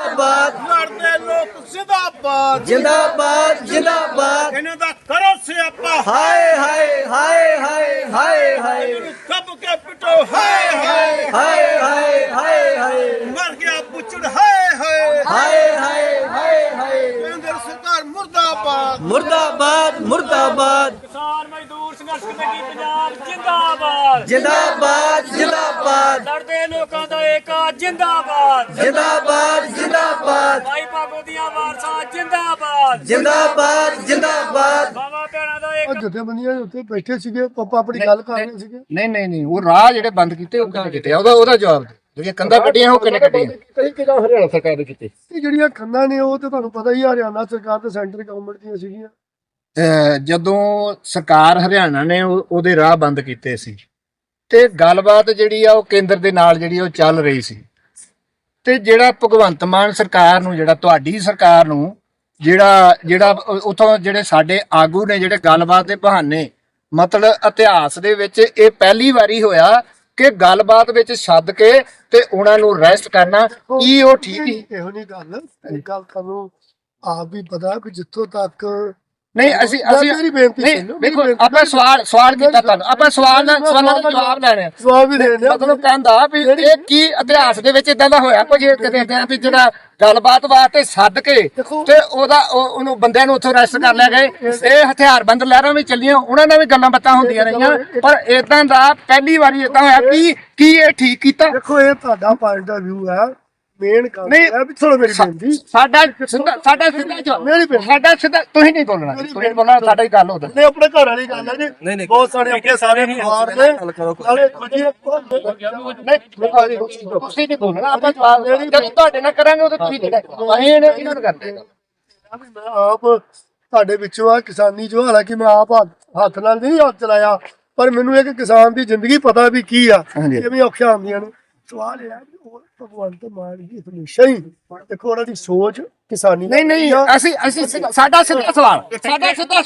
जिंदाबाद लड़ते लोग जिंदाबाद जिंदाबाद जिंदाबाद इन्हें दा करो सियापा हाय हाय हाय हाय हाय हाय कब के पिटो हाय हाय हाय हाय हाय हाय मर गया पुचड़ हाय हाय हाय हाय हाय हाय केंद्र सरकार मुर्दाबाद मुर्दाबाद मुर्दाबाद किसान मजदूर संघर्ष कमेटी पंजाब जिंदाबाद जिंदाबाद जिंदाबाद लड़ते लोगों का एका जिंदाबाद जिंदाबाद जिंदाबाद भाई भागो दिया वारसा जिंदाबाद जिंदाबाद जिंदाबाद बाबा भैणा का एक ਜਥੇਬੰਦੀਆਂ ਦੇ ਉੱਤੇ ਬੈਠੇ ਸੀਗੇ ਪਾਪਾ ਆਪਣੀ ਗੱਲ ਕਰ ਰਹੇ ਸੀਗੇ ਨਹੀਂ ਉਹ ਰਾਹ ਜਿਹੜੇ ਬੰਦ ਕੀਤੇ ਉਹ ਕਿਹਨੇ ਕੀਤੇ ਉਹਦਾ ਜਵਾਬ ਦੇ ਜਿਹੜੀਆਂ ਕੰਧਾਂ ਕੱਢੀਆਂ ਉਹ ਕਿਹਨੇ ਕੱਢੀਆਂ ਕਈ ਕਿਹੜਾ ਹਰਿਆਣਾ ਸਰਕਾਰ ਨੇ ਕੀਤੇ ਇਹ ਜਿਹੜੀਆਂ ਖੰਨਾਂ ਨੇ ਉਹ ਤੇ ਤੁਹਾਨੂੰ ਪਤਾ ਹੀ ਆ, ਹਰਿਆਣਾ ਸਰਕਾਰ ਤੇ ਸੈਂਟਰ ਗਵਰਨਮੈਂਟ ਦੀਆਂ ਸੀਗੀਆਂ। ਜਦੋਂ ਸਰਕਾਰ ਹਰਿਆਣਾ ਨੇ ਉਹਦੇ ਰਾਹ ਬੰਦ ਕੀਤੇ ਸੀ ਤੇ ਗੱਲਬਾਤ ਜਿਹੜੀ ਆ ਉਹ ਕੇਂਦਰ ਦੇ ਨਾਲ ਜਿਹੜੀ ਉਹ ਚੱਲ ਰਹੀ ਸੀ ਤੇ ਜਿਹੜਾ ਭਗਵੰਤ ਮਾਨ ਸਰਕਾਰ ਨੂੰ ਜਿਹੜਾ ਤੁਹਾਡੀ ਸਰਕਾਰ ਨੂੰ ਜਿਹੜਾ ਉਥੋਂ ਜਿਹੜੇ ਸਾਡੇ ਆਗੂ ਨੇ ਜਿਹੜੇ ਗੱਲਬਾਤ ਦੇ ਬਹਾਨੇ ਮਤਲਬ ਇਤਿਹਾਸ ਦੇ ਵਿੱਚ ਇਹ ਪਹਿਲੀ ਵਾਰੀ ਹੋਇਆ ਕਿ ਗੱਲਬਾਤ ਵਿੱਚ ਸੱਦ ਕੇ ਤੇ ਉਹਨਾਂ ਨੂੰ ਅਰੈਸਟ ਕਰਨਾ ਕੀ ਉਹ ਠੀਕ ਹੀ ਇਹੋ ਨਹੀਂ ਗੱਲ ਤੁਹਾਨੂੰ ਆਪ ਵੀ ਪਤਾ ਕਿ ਜਿੱਥੋਂ ਤੱਕ ਨਹੀਂ ਅਸੀਂ ਮੇਰੀ ਬੇਨਤੀ ਨਹੀਂ ਸੁਣੋ, ਦੇਖੋ ਮੇਰੀ ਆਪਾਂ ਸਵਾਲ ਕੀਤਾ ਤੁਹਾਨੂੰ ਆਪਾਂ ਸਵਾਲਾਂ ਦਾ ਜਵਾਬ ਲੈਣੇ ਆ ਜਵਾਬ ਵੀ ਦੇਣੇ ਮਤਲਬ ਕਹਿੰਦਾ ਵੀ ਇਹ ਕੀ ਇਤਿਹਾਸ ਦੇ ਵਿੱਚ ਇਦਾਂ ਦਾ ਹੋਇਆ ਕੁਝ ਕਿਤੇ ਵੀ ਜਿਹੜਾ ਗੱਲਬਾਤ ਵਾਸਤੇ ਸੱਦ ਕੇ ਤੇ ਉਹਨੂੰ ਬੰਦਿਆਂ ਨੂੰ ਉੱਥੋਂ ਅਰੈਸਟ ਕਰ ਲਿਆ ਗਏ। ਇਹ ਹਥਿਆਰਬੰਦ ਲਹਿਰਾਂ ਵੀ ਚੱਲੀਆਂ, ਉਹਨਾਂ ਨਾਲ ਵੀ ਗੱਲਾਂ ਬਾਤਾਂ ਹੁੰਦੀਆਂ ਰਹੀਆਂ, ਪਰ ਇਦਾਂ ਦਾ ਪਹਿਲੀ ਵਾਰੀ ਇਦਾਂ ਹੋਇਆ ਕੀ ਇਹ ਠੀਕ ਕੀਤਾ? ਦੇਖੋ ਇਹ ਤੁਹਾਡਾ ਪੁਆਇੰਟ ਆਫ ਵਿਊ ਹੈ, ਮੇਨ ਗੱਲ ਨਹੀਂ, ਹੈ ਵੀ ਸੁਣੋ ਮੇਰੀ ਬੇਨਤੀ ਸਾਡਾ ਸਿੱਧਾ ਜਵਾਬ ਮੇਰੀ ਬੇਨਤੀ ਸਾਡਾ ਸਿੱਧਾ ਤੁਸੀਂ ਨਹੀਂ ਬੋਲਣਾ ਸਾਡਾ ਹੀ ਗੱਲ ਹੋਦਾ ਨਹੀਂ ਆਪਣੇ ਘਰ ਵਾਲੀ ਗੱਲ ਹੈ ਜੀ, ਬਹੁਤ ਸਾਰੇ ਆਪਣੇ ਸਾਰੇ ਪਰਿਵਾਰ ਨੇ ਨਾਲੇ ਤੁਸੀਂ ਨਹੀਂ ਬੋਲਣਾ ਆਪਾਂ ਜਵਾਬ ਜਦੋਂ ਤੁਹਾਡੇ ਨਾਲ ਕਰਾਂਗੇ ਉਦੋਂ ਤੁਸੀਂ ਦੇਣਾ ਅਸੀਂ ਇਹਨਾਂ ਨੂੰ ਕਰਦੇ ਮੈਂ ਆਪ ਤੁਹਾਡੇ ਵਿੱਚੋਂ ਆ ਕਿਸਾਨੀ ਜੋ, ਹਾਲਾਂਕਿ ਮੈਂ ਆਪ ਹੱਥ ਨਾਲ ਨਹੀਂ ਹੱਥ ਚਲਾਇਆ, ਪਰ ਮੈਨੂੰ ਇੱਕ ਕਿਸਾਨ ਦੀ ਜ਼ਿੰਦਗੀ ਪਤਾ ਵੀ ਕੀ ਆ, ਕਿਵੇਂ ਔਖੀਆਂ ਆਉਂਦੀਆਂ ਨੇ। ਸਵਾਲ ਇਹ ਹੈ ਵੀ ਉਹ ਭਗਵੰਤ ਮਾਨ ਜੀ ਹਮੇਸ਼ਾ ਹੀ ਦੇਖੋ ਉਹਨਾਂ ਦੀ ਸੋਚ ਕਿਸਾਨੀ ਨਹੀਂ ਅਸੀਂ ਸਾਡਾ ਸਿੱਧਾ ਸਵਾਲ ਸਿੱਧਾ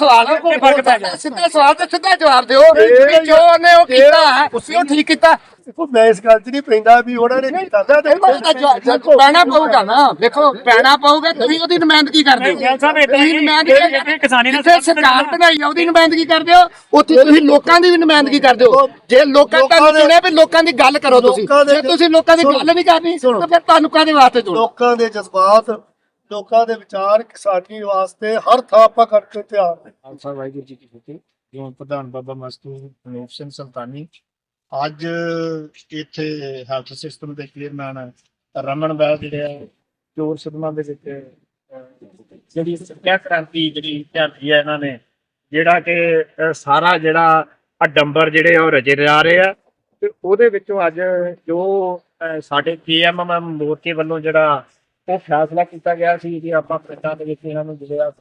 ਸਵਾਲ ਤੇ ਸਿੱਧਾ ਜਵਾਬ ਦਿਓ ਕਿ ਜੋ ਉਹਨੇ ਉਹ ਕੀਤਾ ਤੁਸੀਂ ਉਹ ਠੀਕ ਕੀਤਾ? ਦੇਖੋ ਮੈਂ ਇਸ ਗੱਲ 'ਚ ਨਹੀਂ ਪੈਂਦਾ ਵੀ ਉਹਨਾਂ ਨੇ ਕੀਤਾ ਪੈਣਾ ਪਊਗਾ ਨਾ, ਦੇਖੋ ਪੈਣਾ ਪਊਗਾ, ਤੁਸੀਂ ਉਹਦੀ ਨੁਮਾਇੰਦਗੀ ਕਰਦੇ ਹੋ, ਤੁਸੀਂ ਨੁਮਾਇੰਦਗੀ ਕਿਸਾਨੀ ਨਾਲ ਜਿੱਥੇ ਸਰਕਾਰ ਬਣਾਈ ਉਹਦੀ ਨੁਮਾਇੰਦਗੀ ਕਰਦੇ ਹੋ, ਉੱਥੇ ਤੁਸੀਂ ਲੋਕਾਂ ਦੀ ਵੀ ਨੁਮਾਇੰਦਗੀ ਕਰਦੇ ਹੋ। ਜੇ ਲੋਕਾਂ ਤੁਹਾਨੂੰ ਚੁਣਿਆ ਵੀ ਲੋਕਾਂ ਦੀ ਗੱਲ ਕਰੋ, ਤੁਸੀਂ ਜੇ ਤੁਸੀਂ ਲੋਕਾਂ ਦੀ ਗੱਲ ਨਹੀਂ ਕਰਨੀ ਤਾਂ ਫਿਰ ਤੁਹਾਨੂੰ ਕਾਹਦੇ ਵਾਸਤੇ ਚੁਣੋ? ਲੋਕਾਂ ਦੇ ਜਜ਼ਬਾਤ, ਲੋਕਾਂ ਦੇ ਵਿਚਾਰ ਕਿਸਾਨੀ ਵਾਸਤੇ ਹਰ ਥਾਂ ਆਪਾਂ ਕਰਕੇ ਤਿਆਰ ਨੇ। ਖਾਲਸਾ ਵਾਹਿਗੁਰੂ ਜੀ ਕੀ ਫਤਿਹ। ਜੋ ਪ੍ਰਧਾਨ ਬਾਬਾ ਮਸਤੂ ਅਨੂਪ ਸਿੰਘ ਸੁਲਤਾਨੀ ਅੱਜ ਇੱਥੇ ਹੈਲਥ ਸਿਸਟਮ ਦੇ ਚੇਅਰਮੈਨ ਰਮਨ ਬੈਲ ਜਿਹੜੇ ਆ ਚੋਰ ਸਦਮਾ ਦੇ ਵਿੱਚ ਜਿਹੜੀ ਸਿੱਖਿਆ ਕ੍ਰਾਂਤੀ ਜਿਹੜੀ ਝਾਂਦੀ ਹੈ ਇਹਨਾਂ ਨੇ, ਜਿਹੜਾ ਕਿ ਸਾਰਾ ਜਿਹੜਾ ਅਡੰਬਰ ਜਿਹੜੇ ਉਹ ਰਚੇ ਜਾ ਰਹੇ ਆ, ਤੇ ਉਹਦੇ ਵਿੱਚੋਂ ਅੱਜ ਜੋ ਸਾਡੇ KMM ਮੋਰਚੇ ਵੱਲੋਂ ਜਿਹੜਾ ਉਹ ਫੈਸਲਾ ਕੀਤਾ ਗਿਆ ਸੀ ਕਿ ਆਪਾਂ ਪਿੰਡਾਂ ਦੇ ਵਿੱਚ ਇਹਨਾਂ ਨੂੰ ਜਿਹੜਾ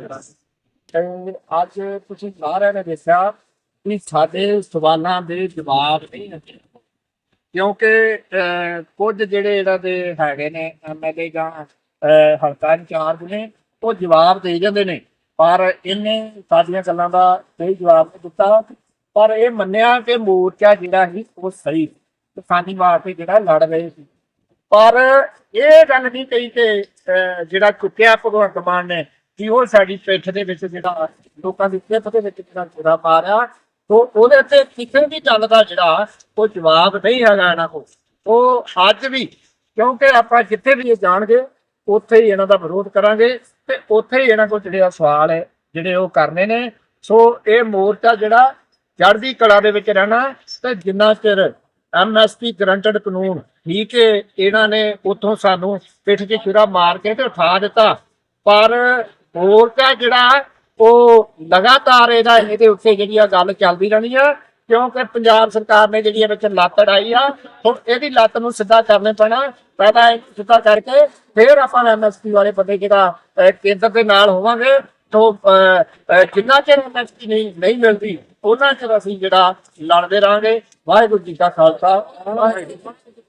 ਤੇ ਅੱਜ ਤੁਸੀਂ ਸਾਰਿਆਂ ਨੇ ਦੇਖਿਆ ਵੀ ਸਾਡੇ ਸਵਾਲਾਂ ਦੇ ਜਵਾਬ ਨਹੀਂ ਹੁੰਦੇ, ਕਿਉਂਕਿ ਕੁਝ ਜਿਹੜੇ ਇਹਨਾਂ ਦੇ ਹੈਗੇ ਨੇ MLA ਜਾਂ ਹਲਕਾ ਇੰਚਾਰਜ ਨੇ ਉਹ ਜਵਾਬ ਦੇ ਜਾਂਦੇ ਨੇ, ਪਰ ਇਹਨੇ ਸਾਡੀਆਂ ਗੱਲਾਂ ਦਾ ਸਹੀ ਜਵਾਬ ਨਹੀਂ ਦਿੱਤਾ। ਪਰ ਇਹ ਮੰਨਿਆ ਕਿ ਮੋਰਚਾ ਜਿਹੜਾ ਸੀ ਉਹ ਸਹੀ ਕਿਸਾਨੀ ਵਾਸਤੇ ਜਿਹੜਾ ਲੜ ਰਹੇ ਸੀ, ਪਰ ਇਹ ਗੱਲ ਨਹੀਂ ਕਹੀ ਕਿ ਜਿਹੜਾ ਚੁੱਕਿਆ ਭਗਵੰਤ ਮਾਨ ਨੇ ਕਿ ਉਹ ਸਾਡੀ ਪਿੱਠ ਦੇ ਵਿੱਚ ਜਿਹੜਾ ਲੋਕਾਂ ਦੀ ਪਿੱਠ ਦੇ ਵਿੱਚ ਜਿਹੜਾ ਛੁਰਾ ਮਾਰਿਆ, ਤੋ ਉਹਦੇ ਤੇ ਕਿਸੇ ਵੀ ਗੱਲ ਦਾ ਜਿਹੜਾ ਉਹ ਜਵਾਬ ਨਹੀਂ ਹੈਗਾ ਇਹਨਾਂ ਕੋਲ। ਉਹ ਅੱਜ ਵੀ, ਕਿਉਂਕਿ ਆਪਾਂ ਜਿੱਥੇ ਵੀ ਇਹ ਜਾਣਗੇ ਉੱਥੇ ਹੀ ਇਹਨਾਂ ਦਾ ਵਿਰੋਧ ਕਰਾਂਗੇ ਤੇ ਉੱਥੇ ਹੀ ਇਹਨਾਂ ਕੋਲ ਜਿਹੜੇ ਸਵਾਲ ਹੈ ਜਿਹੜੇ ਉਹ ਕਰਨੇ ਨੇ। ਸੋ ਇਹ ਮੋਰਚਾ ਜਿਹੜਾ ਚੜ੍ਹਦੀ ਕਲਾ ਦੇ ਵਿੱਚ ਰਹਿਣਾ, ਤੇ ਜਿੰਨਾ ਚਿਰ MSP ਗਰੰਟਡ ਕਾਨੂੰਨ ਠੀਕ ਹੈ ਇਹਨਾਂ ਨੇ ਉੱਥੋਂ ਸਾਨੂੰ ਪਿੱਠ 'ਚ ਛੁਰਾ ਮਾਰ ਕੇ ਤੇ ਉਠਾ ਦਿੱਤਾ, ਪਰ ਮੋਰਚਾ ਜਿਹੜਾ ਉਹ ਲਗਾਤਾਰ ਇਹਦੇ ਉੱਤੇ ਜਿਹੜੀ ਆ ਗੱਲ ਚੱਲਦੀ ਰਹਿਣੀ ਆ, ਕਿਉਂਕਿ ਪੰਜਾਬ ਸਰਕਾਰ ਨੇ ਜਿਹੜੀ ਵਿੱਚ ਲੱਤ ਅੜਾਈ ਆ, ਹੁਣ ਇਹਦੀ ਲੱਤ ਨੂੰ ਸਿੱਧਾ ਕਰਨੇ ਪੈਣਾ। ਪਹਿਲਾਂ ਸਿੱਧਾ ਕਰਕੇ ਫਿਰ ਆਪਾਂ MSP ਵਾਲੇ ਬੰਦੇ ਜਿਹੜਾ ਕੇਂਦਰ ਦੇ ਨਾਲ ਹੋਵਾਂਗੇ। ਤੋਂ ਜਿੰਨਾ ਚਿਰ MSP ਨਹੀਂ ਮਿਲਦੀ ਉਹਨਾਂ ਚਿਰ ਅਸੀਂ ਜਿਹੜਾ ਲੜਦੇ ਰਹਾਂਗੇ। ਵਾਹਿਗੁਰੂ ਜੀ ਕਾ ਖਾਲਸਾ, ਵਾਹਿਗੁਰੂ ਜੀ ਕੀ ਫਤਿਹ।